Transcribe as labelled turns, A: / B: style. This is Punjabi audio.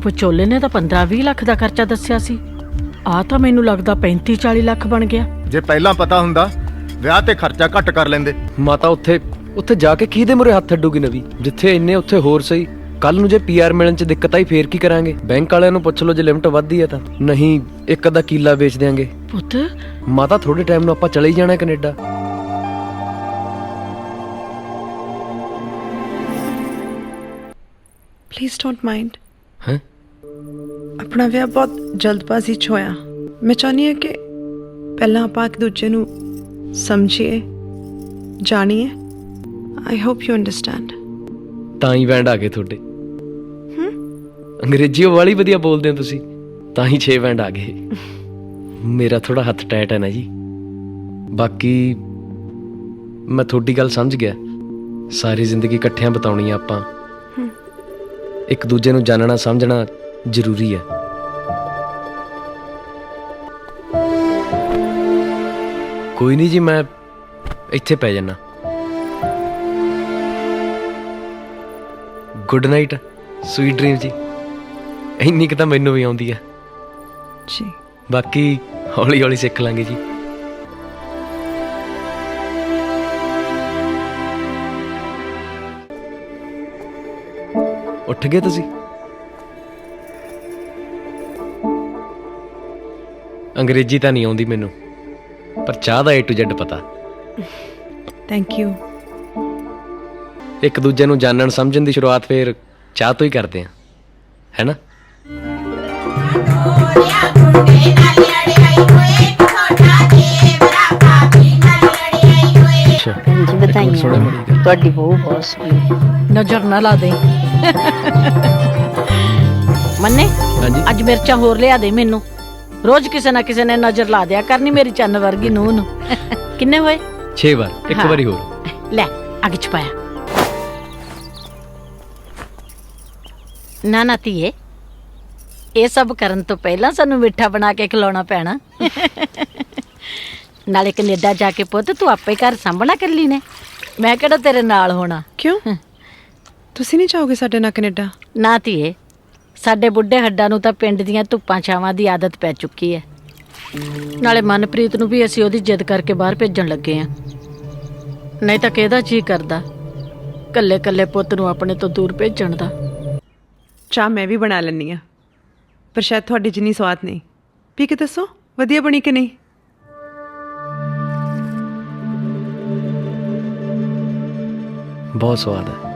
A: ਵਿਚੋਲੇ ਨੇ ਤਾਂ 15-20 ਲੱਖ ਦਾ ਖਰਚਾ ਦੱਸਿਆ ਸੀ। ਆ ਤਾਂ ਮੈਨੂੰ ਲੱਗਦਾ 35-40 ਲੱਖ ਬਣ ਗਿਆ।
B: ਜੇ ਪਹਿਲਾਂ ਪਤਾ ਹੁੰਦਾ ਵਿਆਹ ਤੇ ਖਰਚਾ ਘੱਟ ਕਰ ਲੈਂਦੇ।
C: ਮਾਤਾ ਉੱਥੇ ਜਾ ਕੇ ਕਿਹਦੇ ਮੂਹਰੇ ਹੱਥ ਅੱਡੂਗੀ ਨਵੀਂ? ਜਿੱਥੇ ਇੰਨੇ ਉੱਥੇ ਹੋਰ ਸਹੀ। ਕੱਲ ਨੂੰ ਜੇ ਪੀਆਰ ਮਿਲਣ ਚ ਦਿੱਕਤ ਆਈ ਫੇਰ ਕੀ ਕਰਾਂਗੇ? ਬੈਂਕ ਵਾਲਿਆਂ ਨੂੰ ਪੁੱਛ ਲਓ ਜੇ ਲਿਮਟ ਵੱਧਦੀ ਹੈ ਤਾਂ। ਨਹੀਂ ਇੱਕ ਅੱਧਾ ਕਿੱਲਾ ਵੇਚ ਦਿਆਂਗੇ।
A: ਪੁੱਤ
C: ਮਾਤਾ ਥੋੜੇ ਟਾਈਮ ਨੂੰ ਆਪਾਂ ਚਲੇ ਹੀ ਜਾਣਾ ਕੈਨੇਡਾ।
D: Please don't mind.
C: ਹੈਂ?
D: ਆਪਣਾ ਵਿਆਹ ਬਹੁਤ ਜਲਦਬਾਜ਼ੀ 'ਚ ਹੋਇਆ। ਮੈਂ ਚਾਹੁੰਦੀ ਹਾਂ ਕਿ ਪਹਿਲਾਂ ਆਪਾਂ ਇੱਕ ਦੂਜੇ ਨੂੰ ਸਮਝੀਏ, ਜਾਣੀਏ। I hope you understand.
C: ਤਾਂ ਹੀ ਬੈਂਡ ਆ ਗਏ ਤੁਹਾਡੇ। ਅੰਗਰੇਜ਼ੀ ਵਾਲੀ ਵਧੀਆ ਬੋਲਦੇ ਹੋ ਤੁਸੀਂ, ਤਾਂ ਹੀ 6 ਬੈਂਡ ਆ ਗਏ। ਮੇਰਾ ਥੋੜਾ ਹੱਥ ਟਾਈਟ ਹੈ ਨਾ ਜੀ। ਬਾਕੀ ਮੈਂ ਤੁਹਾਡੀ ਗੱਲ ਸਮਝ ਗਿਆ। ਸਾਰੀ ਜ਼ਿੰਦਗੀ ਇਕੱਠਿਆਂ ਬਿਤਾਉਣੀ ਆ ਆਪਾਂ। ਇੱਕ ਦੂਜੇ ਨੂੰ ਜਾਣਨਾ ਸਮਝਣਾ ਜ਼ਰੂਰੀ ਹੈ। ਕੋਈ ਨਹੀਂ ਜੀ, ਮੈਂ ਇੱਥੇ ਪੈ ਜਾਣਾ। ਗੁੱਡ ਨਾਈਟ, ਸਵੀਟ ਡ੍ਰੀਮ ਜੀ। ਇੰਨੀ ਕੁ ਤਾਂ ਮੈਨੂੰ ਵੀ ਆਉਂਦੀ ਆ
D: ਜੀ।
C: ਬਾਕੀ ਹੌਲੀ ਹੌਲੀ ਸਿੱਖ ਲਾਂਗੇ ਜੀ। ਉੱਠ ਗਏ ਤੁਸੀਂ? ਅੰਗਰੇਜ਼ੀ ਤਾਂ ਨਹੀਂ ਆਉਂਦੀ ਮੈਨੂੰ, ਪਰ ਚਾਹ ਦਾ A to Z ਪਤਾ।
D: Thank you.
C: ਇੱਕ ਦੂਜੇ ਨੂੰ ਜਾਣਨ ਸਮਝਣ ਦੀ ਸ਼ੁਰੂਆਤ ਫੇਰ ਚਾਹ ਤੋਂ ਹੀ ਕਰਦੇ ਆ, ਹੈ ਨਾ?
E: ਭੈਣ ਜੀ ਵਧਾਈਆਂ, ਤੁਹਾਡੀ ਬਹੂ ਬਹੁਤ ਸੋਹਣੀ।
A: ਨਜ਼ਰ ਨਾ ਲਾ ਦੇ। ਮੰਨੇ
C: ਹਾਂਜੀ
A: ਅੱਜ ਮਿਰਚਾਂ ਹੋਰ ਲਿਆ ਦੇ ਮੈਨੂੰ। ਰੋਜ਼ ਕਿਸੇ ਨਾ ਕਿਸੇ ਨੇ ਨਜ਼ਰ ਲਾ ਦਿਆ ਕਰਨੀ ਮੇਰੀ ਚੰਨ ਵਰਗੀ ਨੂੰਹ ਨੂੰ। ਕਿੰਨੇ ਹੋਏ?
C: 6 ਵਾਰ। ਇੱਕ
A: ਹਾਂ।
C: ਵਾਰੀ ਹੋਰ
A: ਲੈ ਅੱਗ ਚ ਪਾਇਆ। ਨਾ ਧੀਏ, ਇਹ ਸਭ ਕਰਨ ਤੋਂ ਪਹਿਲਾਂ ਸਾਨੂੰ ਮਿੱਠਾ ਬਣਾ ਕੇ ਖਿਲਾਉਣਾ ਪੈਣਾ। ਨਾਲੇ ਕੈਨੇਡਾ ਜਾ ਕੇ ਪੁੱਤ ਤੂੰ ਆਪੇ ਘਰ ਸਾਂਭਣਾ ਇਕੱਲੀ ਨੇ, ਮੈਂ ਕਿਹੜਾ ਤੇਰੇ ਨਾਲ ਹੋਣਾ।
D: ਕਿਉਂ? ਤੁਸੀਂ ਨਹੀਂ ਚਾਹੋਗੇ ਸਾਡੇ ਨਾਲ ਕੈਨੇਡਾ?
A: ਨਾ ਧੀਏ, ਸਾਡੇ ਬੁੱਢੇ ਹੱਡਾਂ ਨੂੰ ਤਾਂ ਪਿੰਡ ਦੀਆਂ ਧੁੱਪਾਂ ਛਾਵਾਂ ਦੀ ਆਦਤ ਪੈ ਚੁੱਕੀ ਹੈ। ਨਾਲੇ ਮਨਪ੍ਰੀਤ ਨੂੰ ਵੀ ਅਸੀਂ ਉਹਦੀ ਜਿੱਦ ਕਰਕੇ ਬਾਹਰ ਭੇਜਣ ਲੱਗੇ ਆ। ਨਹੀਂ ਤਾਂ ਕਿਹਦਾ ਜੀ ਕਰਦਾ ਕੱਲੇ ਕੱਲੇ ਪੁੱਤ ਨੂੰ ਆਪਣੇ ਤੋਂ ਦੂਰ ਭੇਜਣ ਦਾ।
D: ਚਾਹ ਮੈਂ ਵੀ ਬਣਾ ਲੈਂਦੀ ਹਾਂ, ਪਰ ਸ਼ਾਇਦ ਤੁਹਾਡੀ ਜਿੰਨੀ ਸਵਾਦ ਨਹੀਂ। ਪੀ ਕੇ ਦੱਸੋ ਵਧੀਆ ਬਣੀ ਕਿ ਨਹੀਂ।
C: ਬਹੁਤ ਸਵਾਦ ਹੈ।